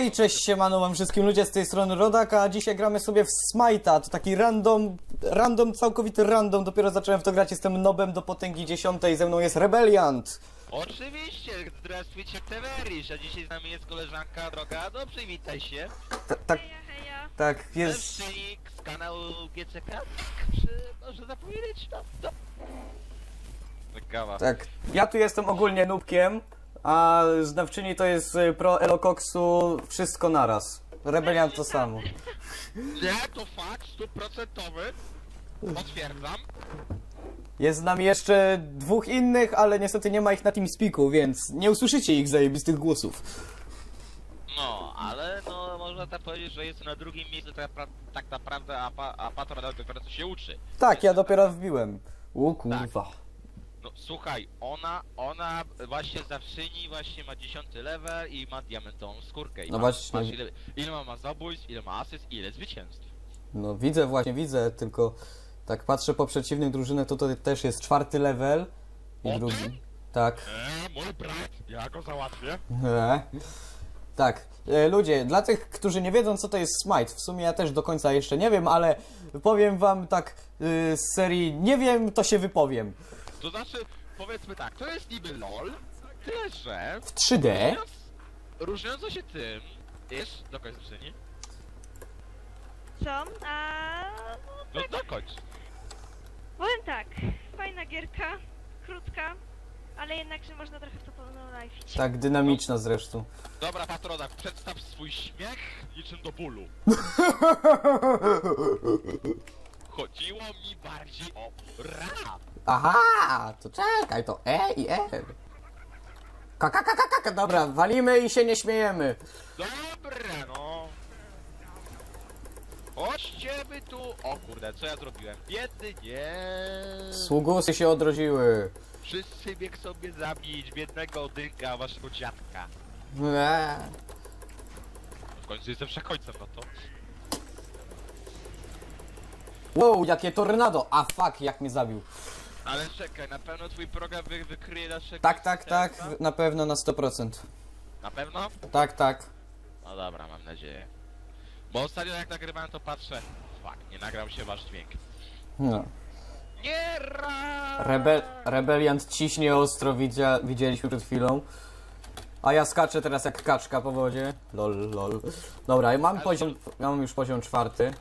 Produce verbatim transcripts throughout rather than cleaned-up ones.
I cześć, siemano wam wszystkim ludzie, z tej strony Rodak, a dzisiaj gramy sobie w Smite'a, to taki random, random, całkowity random, dopiero zacząłem w to grać, jestem nobem do potęgi dziesiątej, ze mną jest Rebeliant. Oczywiście, zdравствуйcie Teverish, a dzisiaj z nami jest koleżanka droga, no przywitaj się. Ta, tak, Heja, heja. tak, jest, Mężczyznik z kanału G C K, czy może zapowiedzieć? No, no. Kawa. tak, ja tu jestem ogólnie nubkiem, a znawczyni to jest y, pro Elokoksu wszystko naraz. Rebeliant to samo. Nie, to fakt, stuprocentowy. Potwierdzam. Jest z nami jeszcze dwóch innych, ale niestety nie ma ich na TeamSpeaku, więc nie usłyszycie ich zajebistych głosów. No, ale no można tak powiedzieć, że jest na drugim miejscu tak, napra- tak naprawdę, a, pa- a Patron dopiero co się uczy. Tak, ja dopiero wbiłem. U kurwa. No słuchaj, ona, ona właśnie zawszyni właśnie ma dziesiąty level i ma diamentową skórkę. I No ma, właśnie. Masz ile, ile ma, ma zabójstw, ile ma asyst, ile zwycięstw. No widzę właśnie, widzę, tylko tak patrzę po przeciwnych drużynach, to to też jest czwarty level i O, drugi. Tak. Eee, mój brat, ja go załatwię. E. Tak. E, ludzie, dla tych, którzy nie wiedzą co to jest Smite, w sumie ja też do końca jeszcze nie wiem, ale powiem wam tak y, z serii nie wiem, to się wypowiem. To znaczy, powiedzmy tak, to jest niby LOL, tyle że... W trzy D? Różniąc, różniąco się tym, wiesz, do końca czyni? Co? A No dokończ. powiem tak, fajna gierka, krótka, ale jednakże można trochę w to ponownić. Tak, dynamiczna zresztą. Dobra, Patronak, przedstaw swój śmiech niczym do bólu. Chodziło mi bardziej o rap. Aha, to czekaj, to E i F. Kaka, kaka, kaka, dobra, walimy i się nie śmiejemy. Dobra, no. Chodźcie wy tu. O kurde, co ja zrobiłem? Biedny, nie. Sługusy się odrodziły. Wszyscy bieg sobie zabić biednego dynka, waszego dziadka. Eee. W końcu jestem przekońcem, no to. Wow, jakie tornado! A fuck, jak mnie zabił. Ale czekaj, na pewno twój program wy wykryje naszego... Tak, tak, tak, asystenta? na pewno na sto procent. Na pewno? Tak, tak. No dobra, mam nadzieję. Bo ostatnio jak nagrywałem to patrzę... Fuck, nie nagrał się wasz dźwięk. No. Nie ra! Rebe rebeliant ciśnie ostro, widzia widzieliśmy przed chwilą. A ja skaczę teraz jak kaczka po wodzie. Lol, lol. Dobra, ja mam Ale poziom, ja mam już poziom czwarty.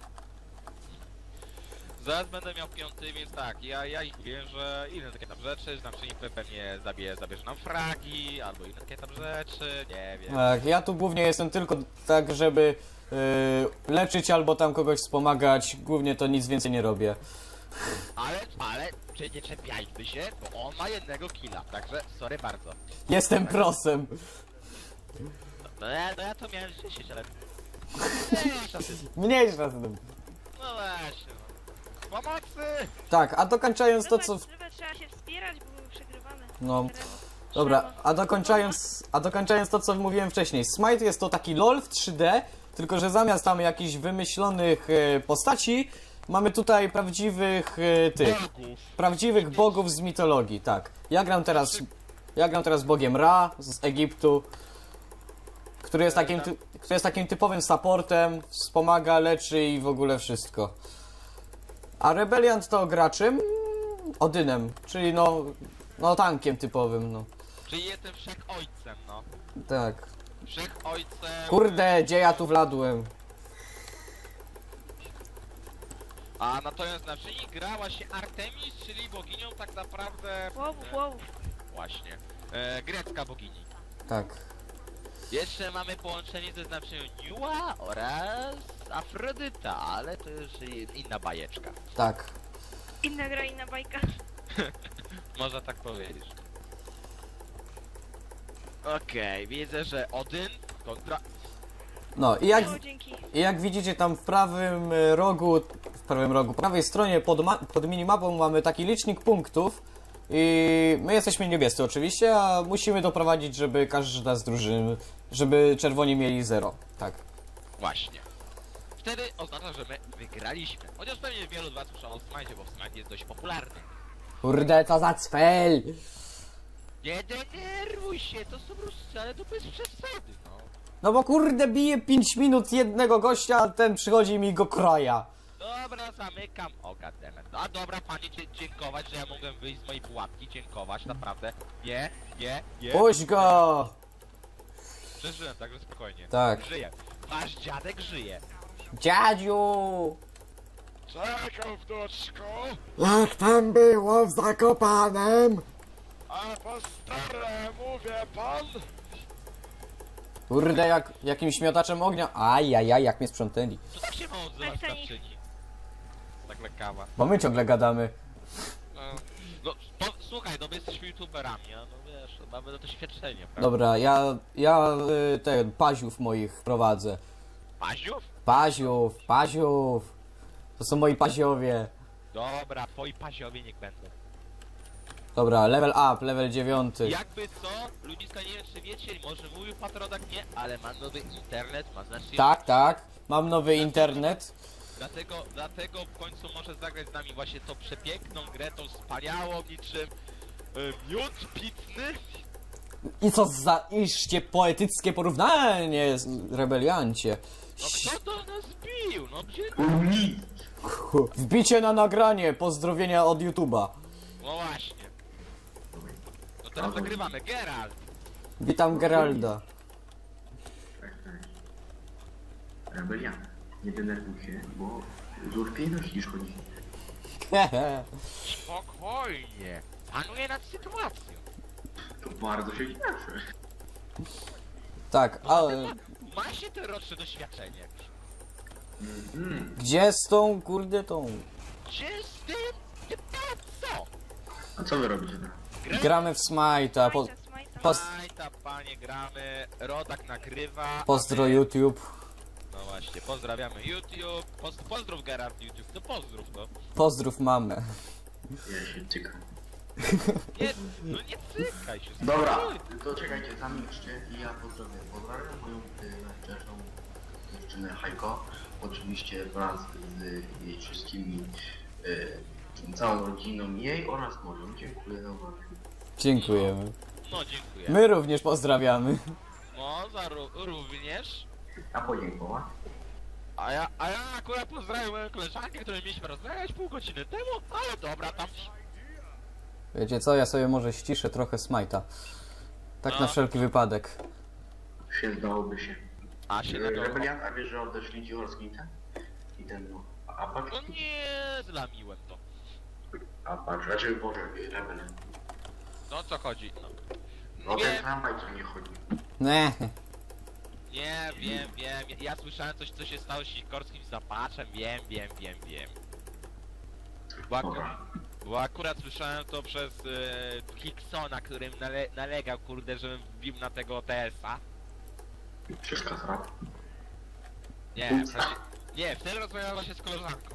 Zaraz będę miał piąty, więc tak, ja, ja ich wiem, że inne takie tam rzeczy, znaczy pewnie zabie, zabierze nam fragi, albo inne takie tam rzeczy, nie wiem. Tak, ja tu głównie jestem tylko tak, żeby yy, leczyć albo tam kogoś wspomagać. Głównie to nic więcej nie robię. Ale, ale, czy nie czepiajmy się, bo on ma jednego killa, także sorry bardzo. Jestem prosem. No ja, no ja to miałem dziesięć, ale... Mniejsza z tym. Mniejsza z tym. No właśnie, no. Pomocy! Tak, a dokończając to co... w- Zobacz, trzeba się wspierać, bo my przegrywamy. No. Teraz Dobra, trzeba. a dokończając, a dokończając to, co mówiłem wcześniej. Smite jest to taki LOL w trzy D, tylko że zamiast tam jakichś wymyślonych e, postaci, mamy tutaj prawdziwych e, tych, Bogów! prawdziwych bogów z mitologii, tak. Ja gram teraz, ja gram teraz bogiem Ra z Egiptu, który jest takim, ty, który jest takim typowym supportem, wspomaga, leczy i w ogóle wszystko. A Rebeliant to graczem Odynem, czyli no, no tankiem typowym, no. Czyli jestem wszechojcem, no. Tak. Wszechojcem... Kurde, gdzie ja tu wladłem? A natomiast na czyni grała się Artemis, czyli boginią tak naprawdę... Łowów, e, łowów. Właśnie. E, grecka bogini. Tak. Jeszcze mamy połączenie ze znaczeniu Niua oraz Afrodyta, ale to już inna bajeczka. Tak. Inna gra, inna bajka. Można tak powiedzieć. Okej, widzę, że Odyn kontra... No i jak, O, dzięki. i jak widzicie tam w prawym e, rogu, w prawym rogu, prawej stronie pod, ma- pod minimapą mamy taki licznik punktów i my jesteśmy niebiescy oczywiście, a musimy doprowadzić, żeby każda z drużyn, żeby czerwoni mieli zero. Tak. Właśnie. Wtedy oznacza, że my wygraliśmy. Chociaż pewnie wielu z was słyszało o Smite, bo Smite jest dość popularny. Kurde, co za cfel! Nie denerwuj się, to są ruscy, ale to bez przesady, no. No bo kurde bije pięć minut jednego gościa, a ten przychodzi i mi go kraja. Dobra, zamykam. O, goddammit. A dobra, panie, dzie- dziękować, że ja mogłem wyjść z mojej pułapki. Dziękować, naprawdę. Nie, nie, nie. Puść go! Przeżyłem, także spokojnie. Tak. Żyje. Wasz dziadek żyje. Dziadziu! Czekam, wnuczku. Jak tam było w Zakopanem? A po staremu, wie pan? Kurde, jak jakimś miotaczem ognia. Ajajaj, jak mnie sprzątnęli. To tak się ma odzywać Tak, to nie- starczyni. Tak lekawa. Bo my ciągle gadamy. No, no to, słuchaj, no my jesteśmy youtuberami, a no wiesz, mamy doświadczenie, prawda? Dobra, ja, ja y, ten, paziów moich prowadzę. Paziów? Paziów, paziów. To są moi paziowie. Dobra, twoi paziowie niech będą. Dobra, level up, level dziewiąty. Jakby co, ludziska, nie wiem czy wiecie, może mówił Patrodak, nie, ale ma nowy internet, ma znacznie... Tak, tak. Mam nowy internet. Dlatego, dlatego w końcu może zagrać z nami właśnie tą przepiękną grę, tą wspaniałą niczym y, miód pitny. I co za iście poetyckie porównanie, z- rebeliancie. No kto do nas bił? No gdzie? Wbicie na nagranie, pozdrowienia od YouTube'a. No właśnie. No teraz nagrywamy, Geralt! Witam Geralda. Tak, tak. Rebelia, nie denerwuj się, bo z urpiejności niż chodzi. Hehe. Spokojnie. Panuję nad sytuacją. To bardzo się cieszę. Tak, ale Ma się te roczne doświadczenie. Mm, gdzie z tą kurde tą? Gdzie z tym? Ty pan co? a co wy robicie teraz? Gramy w Smite'a. Po, Smajta, smajta. pos- Majta, panie, gramy. Rodak nagrywa. pozdro a my- YouTube. No właśnie, pozdrawiamy YouTube. Poz pozdrów Gerard YouTube. No pozdrów, no. Pozdrów mamę. Ja się cykam. Nie, no nie cykaj się. Dobra, spokojnie. to czekajcie, zamilczcie i ja pozdrawiam. Pozdrawiam moją y, najlepszą dziewczynę Hajko. Oczywiście wraz z jej wszystkimi, y, całą rodziną jej oraz moją. Dziękuję za uwagę. Dziękujemy. No dziękuję. My również pozdrawiamy. No, za ró również. A podziękować? A ja, a ja akurat pozdrawiam moją koleżankę, którą mieliśmy rozmawiać pół godziny temu, ale dobra, tam... Wiecie co, ja sobie może ściszę trochę Smite'a. Tak na No. wszelki wypadek. Się zdałoby się. A się na to... Rebelian, a wiesz, że odeszli ci Orskita? I ten, no, Apache? No nie, zlamiłem to. Apache, znaczy, Boże, Rebel. No o co chodzi? No. No ten Nie, tramwaj, co nie chodzi. Nie. nie, wiem, wiem. Ja słyszałem coś, co się stało z Sikorskim zapaczem. Wiem, wiem, wiem, wiem. Bo, aku Dobra. bo akurat słyszałem to przez e, Hicksona, którym nale nalegał, kurde, żebym wbił na tego O T S-a. Wszystko zrób. Nie, w sensie, nie, wtedy rozmawiałem właśnie z koleżanką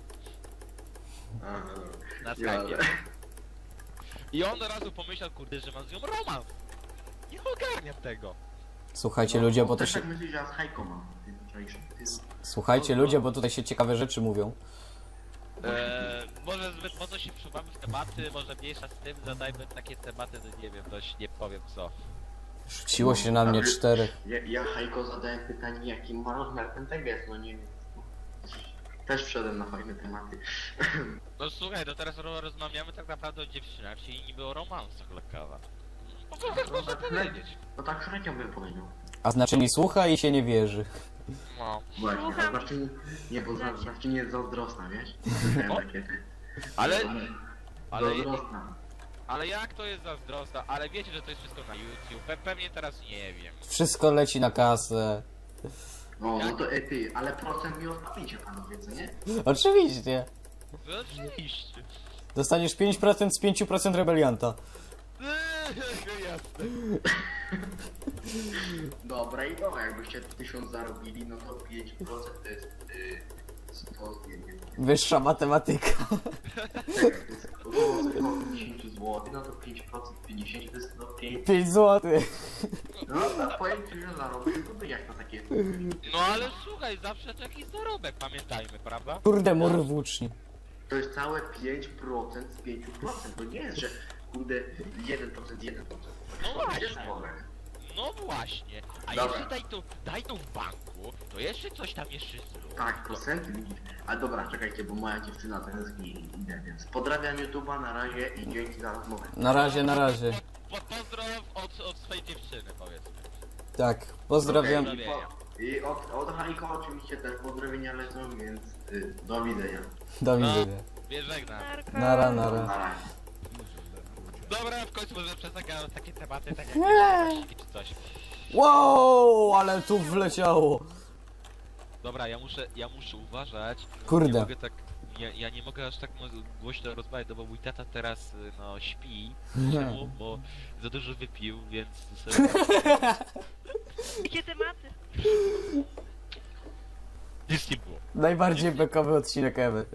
na Skype'ie. I on od razu pomyślał, kurde, że mam z nią romans. Nie ogarniam tego. Słuchajcie ludzie, bo to też się... tak myślisz, że ja z Hajką mam. Ty wczorajszy. Ty- Słuchajcie ludzie, bo tutaj się ciekawe rzeczy mówią. Eee, może zbyt mocno się wczuwamy w tematy, może mniejsza z tym, zadajmy takie tematy, no nie wiem, dość nie powiem co. Rzuciło się na mnie czterech. Ja, ja Hajko zadałem pytanie, jaki ma rozmiar ten teges, no nie wiem. Też wszedłem na fajne tematy. No słuchaj, no teraz ro- rozmawiamy tak naprawdę o dziewczynach, czyli niby o romansach lekawa. No to tak można powiedzieć. No tak średnio bym powiedział. A znaczenie słucha i się nie wierzy. No. Właśnie, Słucham. a zawsze nie, nie, bo za- zawsze nie jest zazdrosna, wiesz? Słyszałem O. takie. Ale, ale, Zazdrosna. ale jak to jest zazdrosna? Ale wiecie, że to jest wszystko na YouTube, Pe pewnie teraz nie wiem. Wszystko leci na kasę. No, no to e, ty, ale procent mi odstawicie panowie, co nie? Oczywiście. No oczywiście. Dostaniesz pięć procent z pięć procent rebelianta. Jasne. Dobra i dobra, jakbyście tysiąc zarobili, no to pięć procent to jest y, sto, nie wiem, Wyższa matematyka. czekaj, to jest około sto pięćdziesiąt złotych, no to pięć procent pięćdziesiąt to jest no pięć. pięć złotych. No to powiem ci, że zarobił, to by jak to takie... No ale słuchaj, zawsze to jakiś zarobek, pamiętajmy, prawda? Kurde, mur włóczni. To jest całe pięć procent z pięć procent, to nie jest, że kurde jeden procent, jeden procent. No To właśnie. jest worek. No właśnie, a Dobra. jeszcze daj to, daj to w banku, to jeszcze coś tam jeszcze zrób. Tak, procenty widzisz. A dobra, czekajcie, bo moja dziewczyna tęskni i idę, więc pozdrawiam YouTube'a na razie i dzięki za rozmowę. Na razie, na razie. Po, po, pozdrow od, od swojej dziewczyny, powiedzmy. Tak, pozdrawiam. Okej, i, po, I od, od Hajko oczywiście też pozdrowienia lecą, więc y, do widzenia. Do No. widzenia. Wiesz, żegnam. Narka. Nara, nara. Na razie. Dobra, w końcu może przesadzam takie tematy, tak jak Nie. czy coś. Wow, ale tu wleciało. Dobra, ja muszę, ja muszę uważać. Kurde. Nie mogę tak, ja, ja nie mogę aż tak mo- głośno rozmawiać, no bo mój tata teraz, y, no, śpi. Czemu? Bo za dużo wypił, więc sobie... Jakie tematy? Nic nie było. Najbardziej bekowy odcinek ever.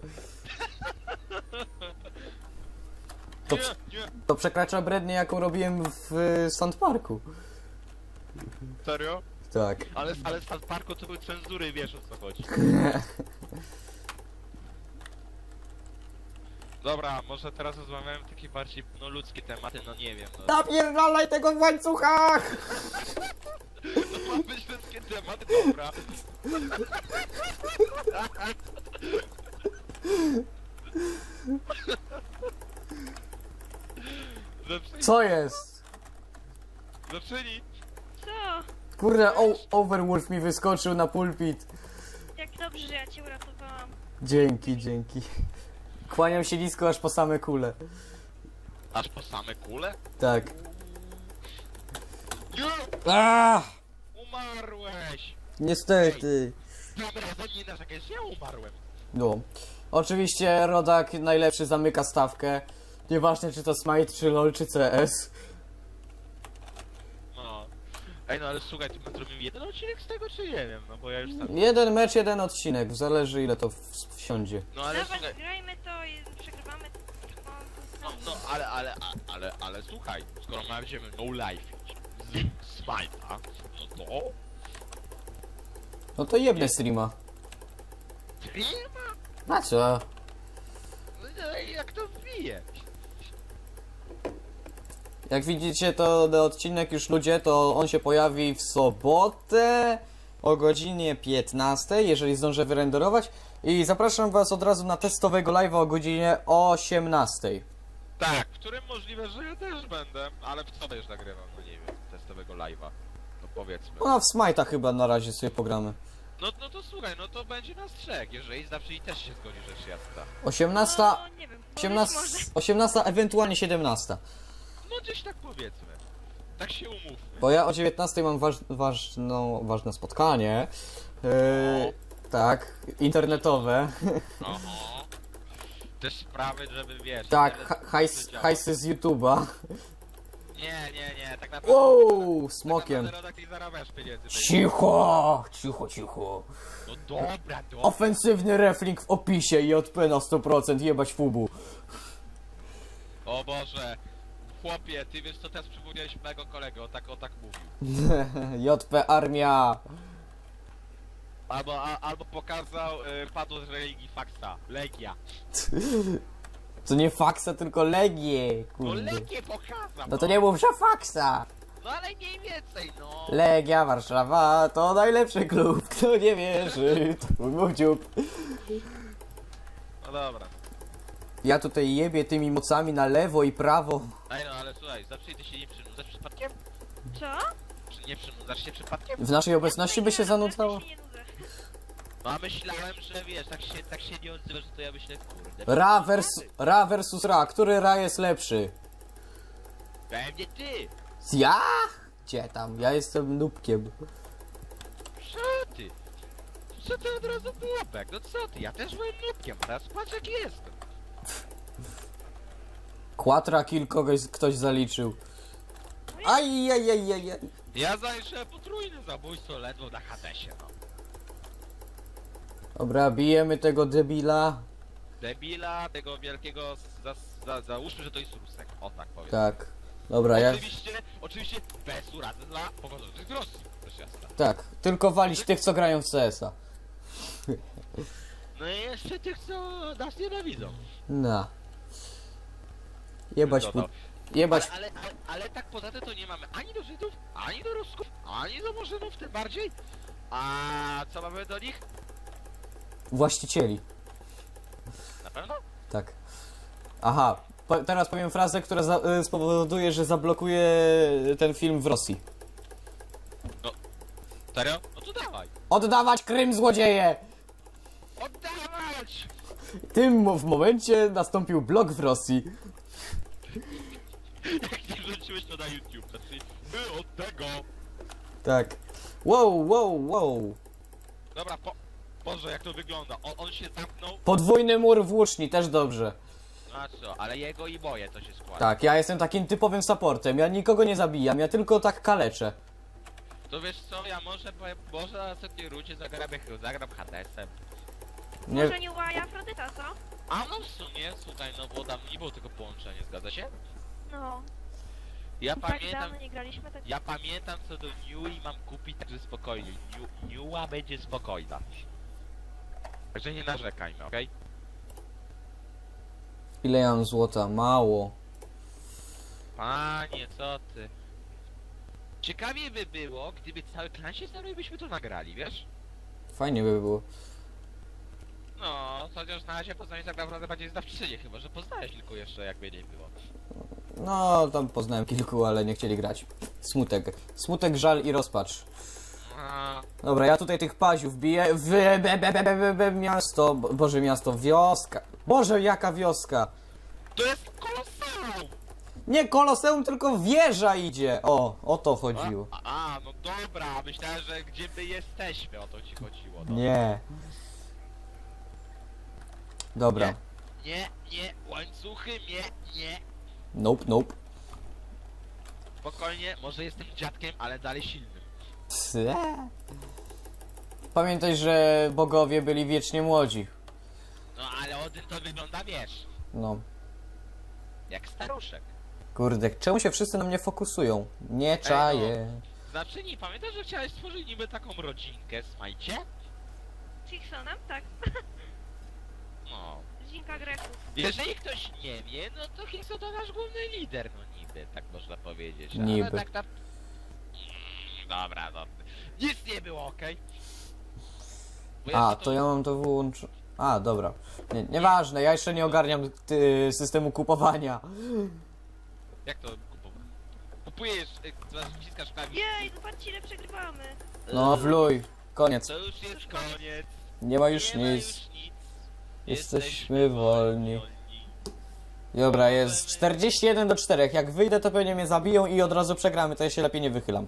To, Nie, nie, to przekracza brednię, jaką robiłem w y, Sandparku. serio? Tak. Ale, ale w South Parku to były cenzury, wiesz o co chodzi. Dobra, może teraz rozmawiamy takie bardziej, no, ludzkie tematy, no nie wiem, no. Napierdalaj tego w łańcuchach! To ma być ludzkie tematy, dobra. Zaczyni, Co jest? zaczyni. Co? Kurde, o, Overwolf mi wyskoczył na pulpit. Jak dobrze, że ja cię uratowałam. Dzięki, dzięki. Kłaniam się nisko aż po same kule. Aż po same kule? Tak. Nie! Aaaa! Umarłeś! Niestety. Dobra, to nie narzekaj, ja umarłem. No. Oczywiście Rodak najlepszy zamyka stawkę. Nieważne czy to Smite, czy LoL, czy C S. No. Ej, no ale słuchaj, ty my zrobimy jeden odcinek z tego, czy nie wiem, no bo ja już sam... Jeden mecz, jeden odcinek. Zależy ile to w- wsiądzie. No ale Dawaj, słuchaj, grajmy to i przegrywamy. To, no, no ale, ale, a- ale, ale słuchaj, skoro będziemy no life z Smite'a, no to... No to jebne streama. Firma? Na co? No i jak to wbije? Jak widzicie to ten odcinek już ludzie, to on się pojawi w sobotę o godzinie piętnastej, jeżeli zdążę wyrenderować. I zapraszam was od razu na testowego live'a o godzinie osiemnastej. Tak, w którym możliwe, że ja też będę, ale w co będziesz nagrywał, no nie wiem, testowego live'a. No powiedzmy. No a w Smite'a chyba na razie sobie pogramy. No, no to słuchaj, no to będzie nas trzech, jeżeli zawsze i też się zgodzi, rzecz jasna. osiemnasta, No, nie wiem. osiemnasta, Może. osiemnasta, ewentualnie siedemnasta. No gdzieś tak powiedzmy. Tak się umówmy. Bo ja o dziewiętnastej mam waż, ważną, ważne spotkanie. Yy, tak, internetowe. Oho. Też sprawy, żeby wiesz... Tak, internet ha- hajs, dobrze działa. hajsy z YouTube'a. Nie, nie, nie, tak naprawdę... Wow, Tak smokiem. naprawdę Rodak nie zarabiasz pieniędzy. Cicho, cicho, cicho. No dobra, dobra. Ofensywny reflink w opisie i J P na sto procent, jebać fubu. O Boże. Chłopie, ty wiesz co, teraz przypomniałeś mojego kolegę, o tak, o tak mówił. J P armia. Albo, a, albo pokazał y, padło z religii faksa. Legia. To nie faksa, tylko legie, No kurde. Legię pokazał! No to nie mów, że faksa. No ale mniej więcej, no. Legia Warszawa to najlepszy klub. Kto nie wierzy, to mój dziób. No dobra. Ja tutaj jebię tymi mocami na lewo i prawo. Ej no, ale słuchaj, zawsze ty się nie przynudzasz przypadkiem? Co? Czy nie przynudzasz się przypadkiem? W naszej obecności by się Ja zanudzało? się nie nudzę. No a myślałem, że wiesz, tak się, tak się nie odzywasz, to ja myślę, kurde. Ra, vers, ra versus Ra. Który Ra jest lepszy? Pewnie ty! Ja? Gdzie tam? Ja jestem nubkiem. Co ty? Co ty od razu pułapek? No co ty? Ja też byłem nutkiem, teraz patrz jak jestem. Quatra kill kogoś ktoś zaliczył. Aj, aj, aj, aj, aj. Ja zajrzę potrójne zabójstwo ledwo na Hadesie, no. Dobra, bijemy tego debila. Debila, tego wielkiego, za, za, załóżmy, że to jest Rusek, o tak powiem. Tak. Dobra, ja... Oczywiście, oczywiście bez urady dla pochodzących z Rosji, też jasne. Tak, tylko walić tych, co grają w C S a. No i jeszcze tych, co nas nienawidzą. No. Jebać, pu... Dodał. Jebać. Ale, ale, ale, ale tak poza tym to nie mamy ani do Żydów, ani do Rusków, ani do Murzynów tym bardziej. A co mamy do nich? Właścicieli. Na pewno? Tak. Aha, po, teraz powiem frazę, która za, y, spowoduje, że zablokuje ten film w Rosji. Serio? No to dawaj. Oddawać Krym, złodzieje! Oddawać! Tym mo- w momencie nastąpił blok w Rosji. Jak nie wrzuciłeś to na YouTube, znaczy my od tego. Tak. Wow, wow, wow. Dobra, po... Boże, jak to wygląda. On, on się zamknął. Podwójny mur włóczni, też dobrze. No a co, ale jego i moje to się składa. Tak, ja jestem takim typowym supportem, ja nikogo nie zabijam, ja tylko tak kaleczę. To wiesz co, ja może, powiem- może na następnej rundzie zagram, jak zagram Hadesem. Nie, Może nie łaja Afrodyta, co? A no w sumie, słuchaj, no bo tam nie było tego połączenia, zgadza się? No, Ja tak pamiętam, dawno nie graliśmy, tak... ja pamiętam co do New i mam kupić, także spokojnie. New, Newa będzie spokojna. Także nie narzekajmy, okej? ile ja mam złota? Mało. Panie, co ty? Ciekawie by było, gdyby cały klan się znał i byśmy to nagrali, wiesz? Fajnie by było. No, chociaż na razie poznanie tak naprawdę bardziej zdawczynie, chyba że poznałeś kilku jeszcze, jakby nie było. No, tam poznałem kilku, ale nie chcieli grać. Smutek. Smutek, żal i rozpacz. A, Dobra, ja tutaj tych paziów biję w be, be, be, be, be, be, miasto, Bo- Boże miasto, wioska. Boże, jaka wioska. to jest kolosalum! Nie koloseum, tylko wieża idzie. O, o to chodziło. A, a, no dobra, myślałem, że gdzie my jesteśmy, o to ci chodziło. No. Nie. Dobra. Nie, nie, nie, łańcuchy, nie, nie. Nope, nope. Spokojnie, może jestem dziadkiem, ale dalej silnym. Cze? Pamiętaj, że bogowie byli wiecznie młodzi. No ale Odyn to wygląda, wiesz, No. jak staruszek. Kurde, czemu się wszyscy na mnie fokusują? Nie czaję. Znaczy nie, pamiętasz, że chciałeś stworzyć niby taką rodzinkę, smajcie? Chicksonem? Tak. No. Zinka Greków. Jeżeli ktoś nie wie, no to Hickson to nasz główny lider, no niby, tak można powiedzieć. Ale Niby. tak na... Mm, Dobra, no. Nic nie było, okej? Bo A, jeszcze to ja mam to wyłączyć. A, dobra. Nie, nieważne, ja jeszcze nie ogarniam ty, systemu kupowania. Jak to kupować? Kupujesz, y, wciskasz klawisz. Jej, zobaczcie ile przegrywamy. No, wluj. Koniec. To już jest koniec. Nie ma już nie ma nic. już nic. Jesteśmy wolni. Dobra, jest czterdzieści jeden do czterech. Jak wyjdę, to pewnie mnie zabiją i od razu przegramy, to ja się lepiej nie wychylam.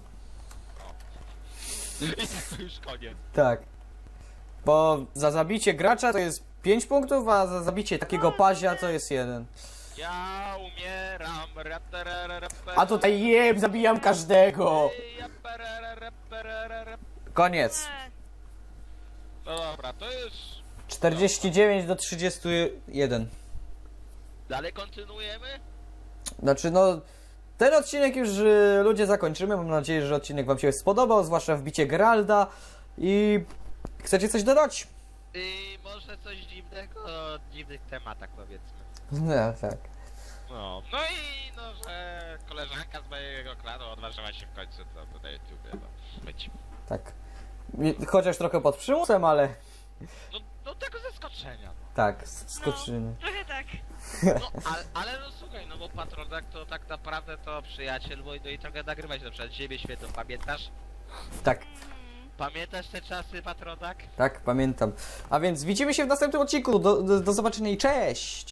I tak to już koniec. Tak. Bo za zabicie gracza to jest pięć punktów, a za zabicie takiego pazia to jest jeden. Ja umieram. raperere, raperere. A tutaj jeb, zabijam każdego. Raperere, raperere, rap- Koniec. E, No dobra, to już... czterdzieści dziewięć do trzydziestu jeden. Dalej kontynuujemy? Znaczy no, ten odcinek już y, ludzie zakończymy. Mam nadzieję, że odcinek wam się spodobał, zwłaszcza wbicie Geralda. I chcecie coś dodać? I może coś dziwnego o dziwnych tematach powiedzmy. No tak. No, no i no, że koleżanka z mojego klanu odważyła się w końcu to na YouTubie, no, być. Tak. I- Chociaż trochę pod przymusem, ale No, no tego zaskoczenia, no. tak, s- skoczymy. trochę tak. No, ale, ale no słuchaj, no bo Patrodak to tak naprawdę to przyjaciel, bo no i trochę nagrywać na przykład Ziemię Świętą, pamiętasz? Tak, Mhm. Pamiętasz te czasy, Patrodak? tak, pamiętam. A więc widzimy się w następnym odcinku. Do, do, do zobaczenia i cześć!